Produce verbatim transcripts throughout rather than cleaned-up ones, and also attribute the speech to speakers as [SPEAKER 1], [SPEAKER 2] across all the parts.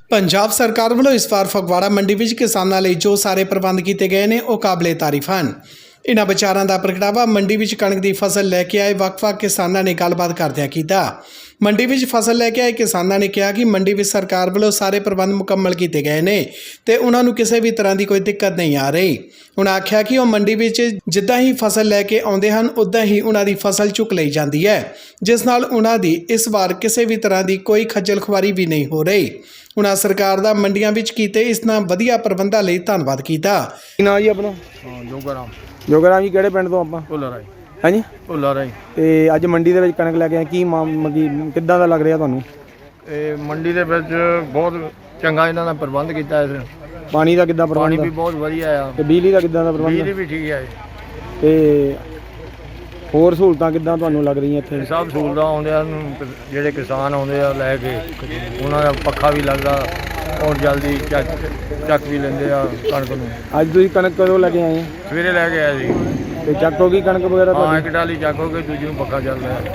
[SPEAKER 1] पंजाब सरकार वालों इस बार फगवाड़ा मंडी विच किसानां लई जो सारे प्रबंध किए गए हैं वह काबिले तारीफ हैं। इन्हां विचारां दा प्रगटावा मंडी विच कणक की फसल लैके आए वख-वख किसानां ने गलबात करदिआं कीता। मंडी विच फसल लैके आए किसानां ने कहा कि मंडी विच सरकार वालों सारे प्रबंध मुकम्मल किए गए हैं ते उन्हां नूं किसी भी तरह की कोई दिक्कत नहीं आ रही। उन्हां आख्या कि वह मंडी विच जिद्दां ही फसल लैके आउंदे हन उद्दां ही उन्हां दी फसल चुक लई जाती है, जिस नाल उन्हां दी इस बार किसी भी तरह की कोई खज्जल खुआरी भी नहीं हो रही। उन्हां सरकार दा मंडियां विच कीते इसना वधिया प्रबंधां लई धन्नवाद कीता।
[SPEAKER 2] ना जी अपना
[SPEAKER 3] जोगाराम
[SPEAKER 2] जोगाराम जी किहड़े पिंड तो ਆਪਾਂ
[SPEAKER 3] ਭੁੱਲਾ ਰਾਈ
[SPEAKER 2] ਹੈ ਜੀ
[SPEAKER 3] ਭੁੱਲਾ ਰਾਈ
[SPEAKER 2] ਤੇ ਅੱਜ ਮੰਡੀ ਦੇ ਵਿੱਚ ਕਣਕ ਲੈ ਕੇ ਆਏ ਕੀ ਮਗੀ ਕਿੱਦਾਂ ਦਾ ਲੱਗ ਰਿਹਾ ਤੁਹਾਨੂੰ?
[SPEAKER 3] ਇਹ ਮੰਡੀ ਦੇ ਵਿੱਚ ਬਹੁਤ ਚੰਗਾ ਇਹਨਾਂ ਦਾ ਪ੍ਰਬੰਧ ਕੀਤਾ ਹੈ।
[SPEAKER 2] ਪਾਣੀ ਦਾ ਕਿੱਦਾਂ
[SPEAKER 3] ਪਾਣੀ
[SPEAKER 2] ਪ੍ਰਬੰਧ
[SPEAKER 3] ਵੀ ਬਹੁਤ ਵਧੀਆ ਆ
[SPEAKER 2] ਤੇ ਬਿਜਲੀ ਦਾ ਕਿੱਦਾਂ ਦਾ ਪ੍ਰਬੰਧ
[SPEAKER 3] ਬਿਜਲੀ ਵੀ ਠੀਕ ਹੈ।
[SPEAKER 2] ਤੇ ਹੋਰ ਸਹੂਲਤਾਂ ਕਿੱਦਾਂ ਤੁਹਾਨੂੰ ਲੱਗ ਰਹੀਆਂ ਇੱਥੇ?
[SPEAKER 3] ਸਭ ਸਹੂਲਤਾਂ ਆਉਂਦੇ ਹਨ, ਜਿਹੜੇ ਕਿਸਾਨ ਆਉਂਦੇ ਆ ਲੈ ਕੇ ਉਹਨਾਂ ਦਾ ਪੱਖਾ ਵੀ ਲੱਗਦਾ ਔਰ ਜਲਦੀ ਚੱਕ ਚੱਕ ਵੀ ਲੈਂਦੇ ਆ ਕਣਕ ਨੂੰ।
[SPEAKER 2] ਅੱਜ ਤੁਸੀਂ ਕਣਕ ਕਦੋਂ ਲੈ ਕੇ ਆਏ?
[SPEAKER 3] ਸਵੇਰੇ ਲੈ ਕੇ ਆਏ ਸੀ।
[SPEAKER 2] ਤੇ ਚੱਕ ਹੋ ਗਈ ਕਣਕ ਵਗੈਰਾ
[SPEAKER 3] ਹਾਂ,
[SPEAKER 2] ਤੁਹਾਡੀ?
[SPEAKER 3] ਇੱਕ ਡਾਲੀ ਚੱਕ ਹੋ ਗਈ, ਦੂਜੀ ਨੂੰ ਪੱਖਾ ਚੱਲਦਾ ਹੈ।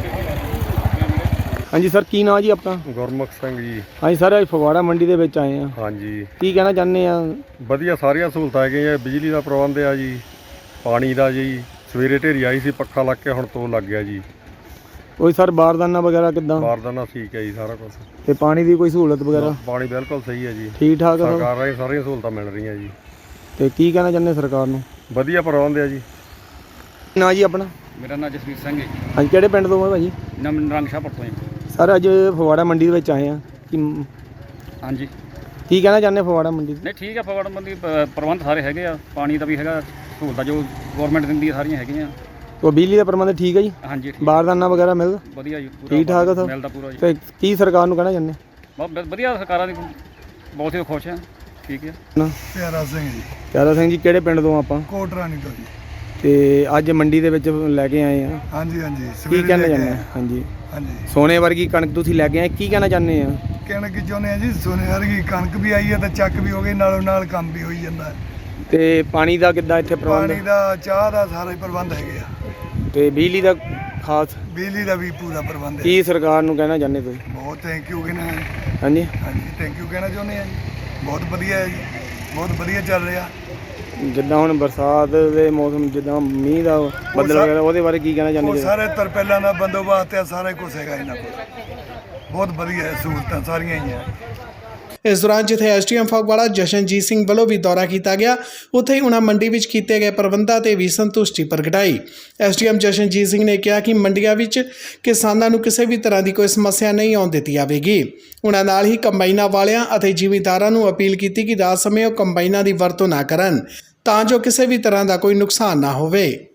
[SPEAKER 2] ਹਾਂਜੀ ਸਰ, ਕੀ ਨਾਂ ਜੀ ਆਪਣਾ?
[SPEAKER 4] ਗੁਰਮੁਖ ਸਿੰਘ ਜੀ।
[SPEAKER 2] ਹਾਂਜੀ ਸਰ, ਅੱਜ ਫਗਵਾੜਾ ਮੰਡੀ ਦੇ ਵਿੱਚ ਆਏ ਆ,
[SPEAKER 4] ਹਾਂਜੀ,
[SPEAKER 2] ਕੀ ਕਹਿਣਾ ਚਾਹੁੰਦੇ ਆ?
[SPEAKER 4] ਵਧੀਆ ਸਾਰੀਆਂ ਸਹੂਲਤਾਂ ਹੈਗੀਆਂ। ਬਿਜਲੀ ਦਾ ਪ੍ਰਬੰਧ ਆ ਜੀ, ਪਾਣੀ ਦਾ ਜੀ। ਸਵੇਰੇ ਢੇਰੀ ਆਈ ਸੀ, ਪੱਖਾ ਲੱਗ ਕੇ ਹੁਣ ਤੋਂ ਲੱਗ ਗਿਆ ਜੀ।
[SPEAKER 2] ਕੋਈ ਸਰ ਬਾਰਦਾਨਾ ਵਗੈਰਾ ਕਿੱਦਾਂ?
[SPEAKER 4] ਬਾਰਦਾਨਾ ਠੀਕ ਹੈ ਜੀ, ਸਾਰਾ ਕੁਝ।
[SPEAKER 2] ਤੇ ਪਾਣੀ ਦੀ ਕੋਈ ਸਹੂਲਤ ਵਗੈਰਾ
[SPEAKER 4] ਪਾਣੀ ਬਿਲਕੁਲ ਸਹੀ ਹੈ ਜੀ,
[SPEAKER 2] ਠੀਕ ਠਾਕ ਆ ਸਰ?
[SPEAKER 4] ਸਰਕਾਰ ਰਾਹੀਂ ਸਾਰੀਆਂ ਸਹੂਲਤਾਂ ਮਿਲ ਰਹੀਆਂ ਜੀ।
[SPEAKER 2] ਤੇ ਕੀ ਕਹਿਣਾ ਚਾਹੁੰਦੇ ਸਰਕਾਰ ਨੂੰ?
[SPEAKER 4] ਵਧੀਆ ਪ੍ਰਬੰਧ ਆ ਜੀ।
[SPEAKER 2] ਨਾਂ ਜੀ ਆਪਣਾ?
[SPEAKER 5] ਮੇਰਾ ਨਾਮ ਜਸਵੀਰ ਸਿੰਘ ਹੈ।
[SPEAKER 2] ਹਾਂਜੀ, ਕਿਹੜੇ ਪਿੰਡ ਤੋਂ ਆ ਭਾਜੀ?
[SPEAKER 5] ਨਮ ਨਰੰਗ ਸ਼ਾਹਪੁਰ ਤੋਂ ਜੀ।
[SPEAKER 2] ਸਰ ਅੱਜ ਫਗਵਾੜਾ ਮੰਡੀ ਦੇ ਵਿੱਚ ਆਏ ਆ, ਕੀ
[SPEAKER 5] ਹਾਂਜੀ,
[SPEAKER 2] ਕੀ ਕਹਿਣਾ ਚਾਹੁੰਦੇ ਫਗਵਾੜਾ ਮੰਡੀ ਦੇ?
[SPEAKER 5] ਨਹੀਂ ਠੀਕ ਹੈ। ਫਗਵਾੜਾ ਮੰਡੀ ਪ- ਪ੍ਰਬੰਧ ਸਾਰੇ ਹੈਗੇ ਆ, ਪਾਣੀ ਦਾ ਵੀ ਹੈਗਾ, ਸਹੂਲਤਾਂ ਜੋ ਗਵਰਨਮੈਂਟ ਦਿੰਦੀ ਆ ਸਾਰੀਆਂ ਹੈਗੀਆਂ।
[SPEAKER 2] ਉਹ ਬਿਜਲੀ ਦਾ ਪ੍ਰਬੰਧ ਠੀਕ ਹੈ ਜੀ?
[SPEAKER 5] ਹਾਂਜੀ, ਠੀਕ
[SPEAKER 2] ਬਾਰਦਾਨਾ ਵਗੈਰਾ ਮਿਲਦਾ
[SPEAKER 5] ਵਧੀਆ ਜੀ, ਪੂਰਾ
[SPEAKER 2] ਠੀਕ ਠਾਕ ਆ ਸਰ?
[SPEAKER 5] ਮਿਲਦਾ ਪੂਰਾ ਜੀ।
[SPEAKER 2] ਤੇ ਕੀ ਸਰਕਾਰ ਨੂੰ ਕਹਿਣਾ ਚਾਹੁੰਦੇ?
[SPEAKER 5] ਬਹੁਤ ਵ- ਵਧੀਆ ਸਰਕਾਰਾਂ ਦੀ ਬਹੁਤ ਹੀ ਖੁਸ਼ ਆ। ਠੀਕ ਹੈ।
[SPEAKER 2] ਨਾ
[SPEAKER 6] ਪਿਆਰਾ ਸਿੰਘ ਜੀ,
[SPEAKER 2] ਪਿਆਰਾ ਸਿੰਘ ਜੀ, ਕਿਹੜੇ ਪਿੰਡ ਤੋਂ ਆਪਾਂ?
[SPEAKER 6] ਕੋਟ ਰਾਣੀ ਤੋਂ ਜੀ।
[SPEAKER 2] ਤੇ ਅੱਜ ਮੰਡੀ ਦੇ ਵਿੱਚ ਲੈ ਕੇ ਆਏ ਆ,
[SPEAKER 6] ਹਾਂਜੀ ਹਾਂਜੀ,
[SPEAKER 2] ਕੀ
[SPEAKER 6] ਸਵੇਰੇ
[SPEAKER 2] ਕਹਿਣਾ
[SPEAKER 6] ਲੈ ਕੇ
[SPEAKER 2] ਚਾਹੁੰਦੇ?
[SPEAKER 6] ਆਏ।
[SPEAKER 2] ਹਾਂਜੀ,
[SPEAKER 6] ਹਾਂਜੀ,
[SPEAKER 2] ਸੋਨੇ ਵਰਗੀ ਕਣਕ ਤੁਸੀਂ ਲੈ ਕੇ ਆਏ, ਕੀ ਕਹਿਣਾ ਚਾਹੁੰਦੇ ਆ?
[SPEAKER 6] ਕਹਿਣਾ ਕੀ ਚਾਹੁੰਦੇ ਆ ਜੀ, ਸੋਨੇ ਵਰਗੀ ਕਣਕ ਵੀ ਆਈ ਹੈ ਤੇ ਚੱਕ ਵੀ ਹੋ ਗਈ, ਨਾਲੋਂ ਨਾਲ ਕੰਮ ਵੀ ਹੋਈ ਜਾਂਦਾ ਹੈ।
[SPEAKER 2] ਤੇ ਪਾਣੀ ਦਾ ਕਿੱਦਾਂ ਇੱਥੇ
[SPEAKER 6] ਪਾਣੀ
[SPEAKER 2] ਪ੍ਰਬੰਧ?
[SPEAKER 6] ਦਾ, ਚਾਹ ਦਾ ਸਾਰਾ ਹੀ ਪ੍ਰਬੰਧ ਹੈਗੇ ਆ।
[SPEAKER 2] ਤੇ ਬਿਜਲੀ ਦਾ ਖਾਸ
[SPEAKER 6] ਬਿਜਲੀ ਦਾ ਵੀ ਪੂਰਾ ਪ੍ਰਬੰਧ ਹੈ।
[SPEAKER 2] ਕੀ ਸਰਕਾਰ ਨੂੰ ਕਹਿਣਾ ਚਾਹੁੰਦੇ ਤੁਸੀਂ?
[SPEAKER 6] ਬਹੁਤ ਥੈਂਕ ਯੂ ਕਹਿਣਾ ਹੈ।
[SPEAKER 2] ਹਾਂਜੀ,
[SPEAKER 6] ਹਾਂਜੀ, ਥੈਂਕ ਯੂ ਕਹਿਣਾ ਚਾਹੁੰਦੇ ਆ ਜੀ। ਬਹੁਤ ਵਧੀਆ ਹੈ ਜੀ, ਬਹੁਤ ਵਧੀਆ ਚੱਲ ਰਿਹਾ।
[SPEAKER 2] ਜਿੱਦਾਂ ਹੁਣ ਬਰਸਾਤ ਦੇ ਮੌਸਮ, ਜਿੱਦਾਂ ਮੀਂਹ ਦਾ ਬੱਦਲ
[SPEAKER 6] ਸਾ-
[SPEAKER 2] ਵਗੈਰਾ, ਉਹਦੇ ਬਾਰੇ ਕੀ ਕਹਿਣਾ
[SPEAKER 6] ਉਹ
[SPEAKER 2] ਚਾਹੁੰਦੇ?
[SPEAKER 6] ਸਾਰੇ ਤਰਪੈਲਾਂ ਦਾ ਬੰਦੋਬਸਤ ਹੈ, ਸਾਰਾ ਕੁਝ ਹੈਗਾ ਇਹਨਾਂ ਕੋਲ। ਬਹੁਤ ਵਧੀਆ ਹੈ, ਸਹੂਲਤਾਂ ਸਾਰੀਆਂ ਹੀ ਹੈ।
[SPEAKER 1] इस दौरान जिथे S D M Phagwara Jashanjit Singh वालों भी दौरा किया गया, उत्थे ही उन्होंने मंडी विच कीते गए प्रबंधां ते भी संतुष्टि प्रगटाई। S D M Jashanjit Singh ने कहा कि मंडियां विच किसानां नूं किसी भी तरह की कोई समस्या नहीं आउण दित्ती जावेगी। उन्हां नाल ही कंबाइनां वालियां अते जिमींदारां नूं अपील की कि रात समय वो कंबाइनां की वरतों ना करन तां जो किसी भी तरह का कोई नुकसान ना होवे।